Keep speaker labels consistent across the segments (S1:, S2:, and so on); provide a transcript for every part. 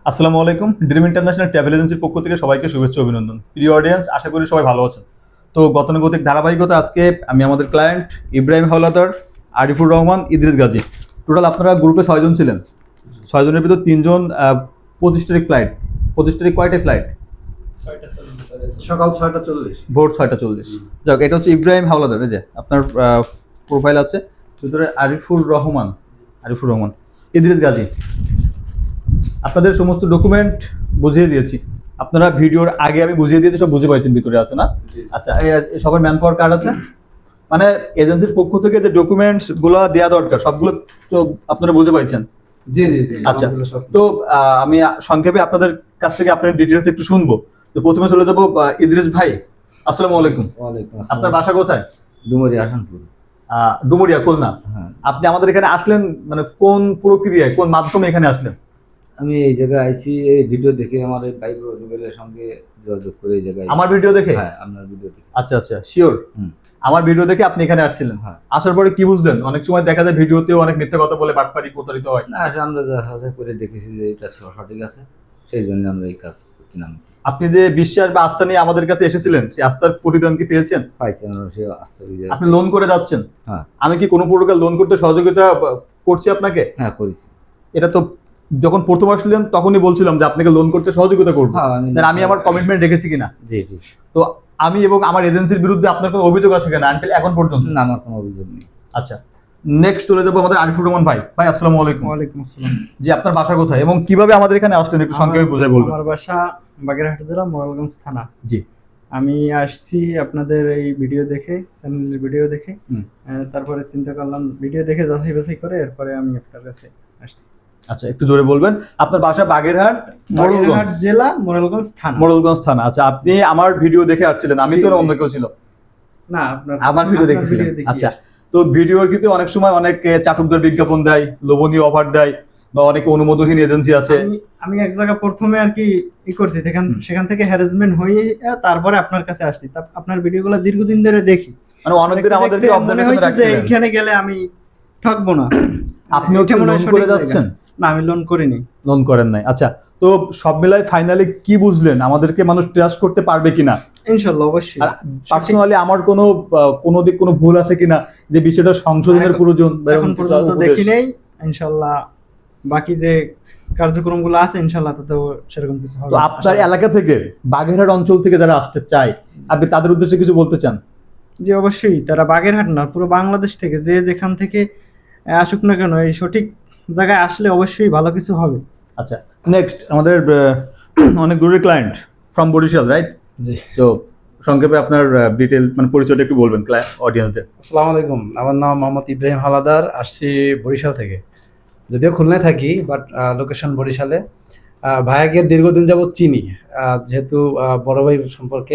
S1: আসসালামু আলাইকুম। Dream international travel এজেন্সির পক্ষ থেকে সবাইকে শুভেচ্ছা অভিনন্দন। প্রিয় অডিয়েন্স, আশা করি সবাই ভালো আছেন। তো গতানুগতিক ধারাবাহিকতা আজকে আমি আমাদের ক্লায়েন্ট ইব্রাহিম হাওলাদার, আরিফুর রহমান, ইদ্রিস গাজী, টোটাল আপনারা গ্রুপে 6 জন ছিলেন। 6 জনের ভিতর 3 জন 25 তারিখ ফ্লাইট। 25 তারিখ কয়টায় ফ্লাইট?
S2: সকাল 6:40।
S1: ভোর 6:40। যাক, এটা হচ্ছে ইব্রাহিম হাওলাদার। এই যে আপনার প্রোফাইল আছে, ভিতরে আরিফুর রহমান, ইদ্রিস গাজী। আপনাদের সমস্ত ডকুমেন্ট বুঝিয়ে দিয়েছি। আপনারা ভিডিওর আগে আমি বুঝিয়ে দিয়েছি, সব বুঝে পাইছেন, ভিতরে আছে না? আচ্ছা, সবার ম্যান পাওয়ার কার্ড আছে? মানে এজেন্সির পক্ষ থেকে যে ডকুমেন্টস গুলো দেওয়া দরকার সবগুলো তো আপনারা বুঝে পাইছেন?
S2: জি জি জি।
S1: আচ্ছা, তো আমি সংক্ষেপে আপনাদের কাছ থেকে আপনার ডিটেলস একটু শুনবো। তো প্রথমে চলে যাবো ইদ্রিস ভাই। আসসালামু আলাইকুম।
S2: ওয়ালাইকুম আসসালাম।
S1: আপনার বাসা কোথায়?
S2: ডুমুরিয়া আসানপুর।
S1: ডুমুরিয়া, খুলনা।
S2: হ্যাঁ,
S1: আপনি আমাদের এখানে আসলেন মানে কোন প্রক্রিয়ায়, কোন মাধ্যমে এখানে আসলেন?
S2: আমি এই জায়গায় আইছি এই ভিডিও দেখে আমার এই ভাই রুবেলের সঙ্গে যোগাযোগ করে এই জায়গায়
S1: আমার ভিডিও দেখে?
S2: হ্যাঁ, আপনার ভিডিও দেখে।
S1: আচ্ছা আচ্ছা, শিওর? আমার ভিডিও দেখে আপনি এখানে আসছিলেন?
S2: হ্যাঁ।
S1: আসার পরে কি বুঝলেন? অনেক সময় দেখা যায় ভিডিওতেও অনেক মিথ্যা কথা বলে বাটপারি প্রতারিত হয়।
S2: না, আসলে আমরা যা করে দেখেছি যে এটা সঠিক আছে, সেই জন্য আমরা এই কাজ করতে নামছি।
S1: আপনি যে বিশ্বাস বা আস্থা নিয়ে আমাদের কাছে এসেছিলেন, সেই আস্থার প্রতিদান কি পেয়েছেন?
S2: পাইছি আমরা, সে আসতে হবে।
S1: আপনি লোন করে যাচ্ছেন।
S2: হ্যাঁ।
S1: আমি কি কোনো প্রকার লোন করতে সহযোগিতা করছি আপনাকে?
S2: হ্যাঁ, করেছি।
S1: এটা তো যখন প্রথম আসলেন তখনই বলছিলাম যে আপনাকে লোন করতে সহযোগিতা করবো।
S2: হ্যাঁ,
S1: আমি আমার কমিটমেন্ট রেখেছি কিনা?
S2: জি জি।
S1: তো আমি এবং আমার এজেন্সির বিরুদ্ধে আপনার কোনো অভিযোগ আছে কিনা আনটিল এখন পর্যন্ত?
S2: না, আমার কোনো অভিযোগ নেই।
S1: আচ্ছা, নেক্সট চলে যাবো আমাদের আরিফুর রহমান ভাই। ভাই আসসালামু আলাইকুম।
S3: ওয়ালাইকুম আসসালাম।
S1: জি, আপনার বাসা কোথায় এবং কিভাবে আমাদের এখানে আসলেন একটু সংক্ষেপে বুঝাই বলবেন?
S3: আমার বাসা বাগেরহাট জেলা মোরালগঞ্জ থানা।
S1: জি।
S3: আমি আসছি আপনাদের এই ভিডিও দেখে, চ্যানেলের ভিডিও দেখে।
S1: হুম।
S3: তারপরে চিন্তা করলাম ভিডিও দেখে যাচাই বাছাই করে এরপরে আমি আপনার কাছে আসছি।
S1: আচ্ছা, একটু জোরে বলবেন। আপনার বাসা বাগেরহাট
S3: বাগেরহাট জেলা মোরালগঞ্জ থানা।
S1: মোড়লগঞ্জ থানা। আচ্ছা, আপনি আমার ভিডিও দেখে আসছিলেন? আমি তো
S3: জি, জি।
S1: অন্য কেউ ছিল?
S3: না, আপনার
S1: আমার ভিডিও দেখেছিলেন?
S3: দেখে
S1: আচ্ছা,
S3: আসছি।
S1: তো ভিডিওর কিন্তু অনেক সময় অনেক চাটুকদার বিজ্ঞাপন দেয়, লোভনীয় অফার দেয়, বা অনেক অনুমোদনহীন এজেন্সি আছে।
S3: আমি এক জায়গা প্রথমে আর কি করছি, সেখান থেকে হ্যারাসমেন্ট হয়ে তারপরে আপনার কাছে আসছি। আপনার ভিডিওগুলো দীর্ঘদিন ধরে দেখি,
S1: মানে অনেকদিন আমাদেরকে
S3: মনে
S1: অবজার্ভ
S3: হয়েছে
S1: করে
S3: যে
S1: রাখছিলেন।
S3: এখানে গেলে আমি ঠকবো না।
S1: আপনিও কি
S3: এটা মনে হয়
S1: লোন
S3: সঠিক
S1: করে
S3: জায়গা।
S1: যাচ্ছেন?
S3: না, আমি লোন করিনি।
S1: লোন করেন নাই। আচ্ছা, তো সব মিলাই ফাইনালি কি বুঝলেন? আমাদেরকে মানুষ ট্রাস্ট করতে পারবে কিনা?
S3: ইনশাল্লাহ, অবশ্যই।
S1: আর পার্সোনালি আমার কোনো দিক কোনো ভুল আছে কিনা, যে বিষয়টা সংশোধনের প্রয়োজন?
S3: এখন পর্যন্ত দেখি নেই। ইনশাল্লাহ বাকি যে কার্যক্রমগুলো আছে ইনশাল্লাহ তাতেও সেরকম কিছু হবে।
S1: তো আপনার এলাকা থেকে, বাগেরহাট অঞ্চল থেকে যারা আসতে চায়, আপনি তাদের উদ্দেশ্যে কিছু বলতে চান?
S3: জি, অবশ্যই। তারা বাগেরহাট না, পুরো বাংলাদেশ থেকে যে যেখান থেকে আসুক না কেন, এই সঠিক জায়গায় আসলে অবশ্যই ভালো কিছু হবে।
S1: আচ্ছা, নেক্সট আমাদের অনেক দূরের ক্লায়েন্ট ফ্রম বরিশাল, রাইট?
S2: জি।
S1: তো সংক্ষেপে আপনার ডিটেল মানে পরিচয়টা একটু বলবেন অডিয়েন্সদের।
S4: আসসালামু আলাইকুম, আমার নাম মোহাম্মদ ইব্রাহিম হাওলাদার, আসছি বরিশাল থেকে। যদিও খুলনায় থাকি, বাট লোকেশন বরিশালে। ভাইয়াকে দীর্ঘদিন যাবৎ চিনি, যেহেতু বড় ভাই সম্পর্কে।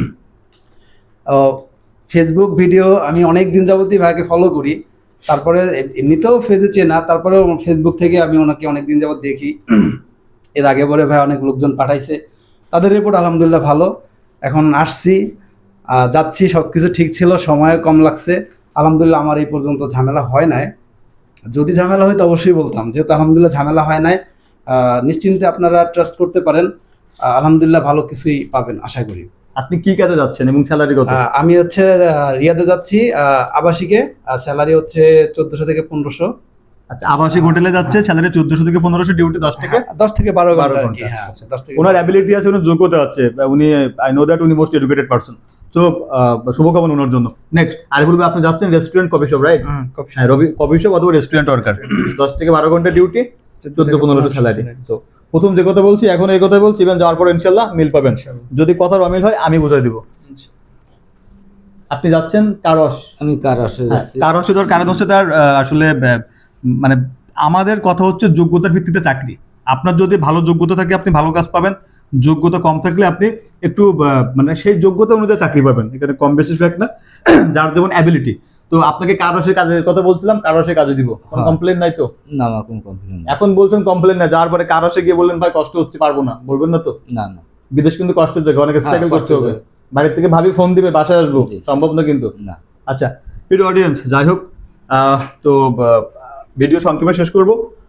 S4: ফেসবুক ভিডিও আমি অনেক দিন যাবতই ভাইয়াকে ফলো করি। তারপরে এমনিতেও ফেজে চেনা, তারপরেও ফেসবুক থেকে আমি ওনাকে অনেক দিন যাবৎ দেখি। এর আগে পরে ভাই অনেক লোকজন পাঠাইছে, তাদের রিপোর্ট আলহামদুলিল্লাহ ভালো। এখন আসছি, যাচ্ছি, সব কিছু ঠিক ছিল, সময়ও কম লাগছে। আলহামদুলিল্লাহ আমার এই পর্যন্ত ঝামেলা হয় নাই। যদি ঝামেলা হয় তো অবশ্যই বলতাম, যেহেতু আলহামদুলিল্লাহ ঝামেলা হয় নাই। নিশ্চিন্তে আপনারা ট্রাস্ট করতে পারেন। আলহামদুলিল্লাহ ভালো কিছুই পাবেন আশা করি।
S1: আপনি কি কাজে যাচ্ছেন এবং স্যালারি কত?
S4: আমি হচ্ছে রিয়াদে যাচ্ছি আবাসিকে। স্যালারি হচ্ছে 1400 থেকে 1500।
S1: আচ্ছা, আবাসিক হোটেলে যাচ্ছে, স্যালারি 1400 থেকে 1500, ডিউটি 10 থেকে
S4: 10 থেকে 12
S1: 12
S4: ঘন্টা আর
S1: ঘন্টা।
S4: কি। হ্যাঁ, 10 থেকে
S1: ওনার অ্যাবিলিটি আছে, ওনার যোগ্যতা আছে, উনি আই নো দ্যাট উনি মোস্ট এডুকেটেড পারসন। তো শুভকামনা ওনার জন্য। নেক্সট আরিফুল ভাই, আপনি যাচ্ছেন রেস্টুরেন্ট কফি শপ, রাইট? হ্যাঁ, কফি শপ অথবা রেস্টুরেন্ট ওয়ার্কার। 10 থেকে 12 ঘন্টা ডিউটি, 1400-1500 স্যালারি। তো প্রথম যে কথা বলছি এখন এই কথা বলছি, ইভেন যাওয়ার পর ইনশাল্লাহ মিল পাবেন। যদি কথার অমিল হয় আমি বুঝাই দিব। আপনি যাচ্ছেন কারস।
S2: আমি কার আসে যাচ্ছি।
S1: কারসে ধর কারণ হচ্ছে তার আসলে মানে আমাদের কথা হচ্ছে যোগ্যতার ভিত্তিতে চাকরি। আপনার যদি ভালো যোগ্যতা থাকে আপনি ভালো কাজ পাবেন, যোগ্যতা কম থাকলে আপনি একটু মানে সেই যোগ্যতা অনুযায়ী চাকরি পাবেন। এখানে কম বেশি ফ্যাক্ট না, যার যেমন অ্যাবিলিটি। তো আপনাকে কারসের কাজের কথা বলছিলাম, কারসের কাজে দিব। কোনো কমপ্লেন নাই তো?
S2: না, আমার কোনো কমপ্লেন নেই।
S1: এখন বলছেন কমপ্লেন না, যাওয়ার পরে কারসে গিয়ে বললেন ভাই কষ্ট হচ্ছে, পারবো না, বলবেন না তো?
S2: না না।
S1: বিদেশ কিন্তু কষ্টের জায়গা, অনেক স্ট্রাগল করতে হবে। বাড়ির থেকে ভাবি ফোন দিবে বাসায় আসবো,
S2: জি।
S1: সম্ভব না কিন্তু।
S2: না।
S1: আচ্ছা, প্রিয় অডিয়েন্স, যাই হোক, তো ভিডিও সংক্ষেপে শেষ করব।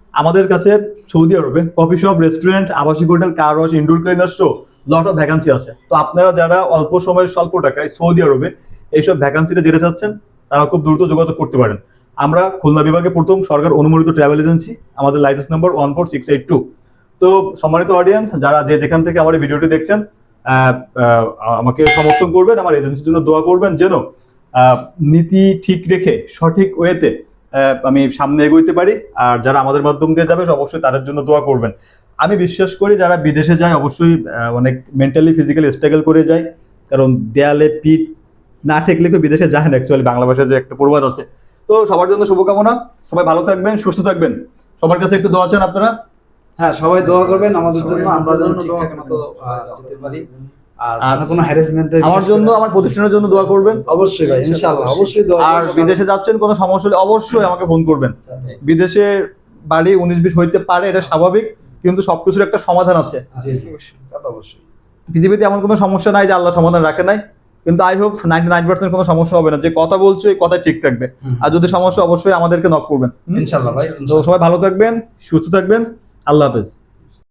S1: আমাদের কাছে সৌদি আরবে কফি শপ, রেস্টুরেন্ট, আবাসিক hotel, car wash, indoor cleaner show lot of vacancy আছে। তো আপনারা যারা অল্প সময়ে স্বল্প টাকায় সৌদি আরবে এইসব ভ্যাকান্সিতে যেতে চাচ্ছেন তারা খুব দ্রুত যোগাযোগ করতে পারেন। আমরা খুলনা বিভাগে প্রথম সরকার অনুমোদিত ট্রাভেল এজেন্সি, আমাদের লাইসেন্স নম্বর 14682। তো সম্মানিত অডিয়েন্স, যারা যেখান থেকে আমার এই ভিডিওটি দেখছেন, আমাকে সমর্থন করবেন, আমার এজেন্সির জন্য দোয়া করবেন যেন নীতি ঠিক রেখে সঠিক ওয়েতে আমি সামনে এগোইতে পারি। আর যারা আমাদের মাধ্যম দিয়ে যাবে অবশ্যই তাদের জন্য দোয়া করবেন। আমি বিশ্বাস করি যারা বিদেশে যায় অবশ্যই অনেক মেন্টালি ফিজিক্যালি স্ট্রাগল করে যায়, কারণ দেয়ালে পিঠ না ঠেকলে কেউ বিদেশে যায় না। অ্যাকচুয়ালি বাংলা ভাষায় যে একটা প্রবাদ আছে। তো সবার জন্য শুভকামনা, সবাই ভালো থাকবেন, সুস্থ থাকবেন। সবার কাছে একটু দোয়া চান আপনারা।
S4: হ্যাঁ, সবাই দোয়া করবেন আমাদের জন্য, আমরা যেন ঠিকঠাক মতো যেতে পারি। আর কোনো হ্যারাসমেন্টের
S1: আমার জন্য, আমার প্রতিষ্ঠানের জন্য দোয়া করবেন
S4: অবশ্যই ভাই, ইনশাআল্লাহ অবশ্যই দোয়া
S1: আর
S4: করবেন।
S1: বিদেশে যাচ্ছেন কোনো সমস্যা হলে অবশ্যই আমাকে ফোন করবেন। বিদেশে বাড়ি 19-20 হইতে পারে, এটা স্বাভাবিক, কিন্তু সবকিছুর একটা সমাধান আছে।
S4: জি জি, তা তো অবশ্যই।
S1: পৃথিবীতে এমন কোনো সমস্যা নাই যে আল্লাহ সমাধান রাখে নাই, কিন্তু আই হোপ 99% কোনো সমস্যা হবে না। যে কথা বলছো এই কথা ঠিক থাকবে, আর যদি সমস্যা অবশ্যই আমাদেরকে নক করবেন।
S4: ইনশাআল্লাহ ভাই,
S1: তো সবাই ভালো থাকবেন, সুস্থ থাকবেন, আল্লাহ হাফেজ।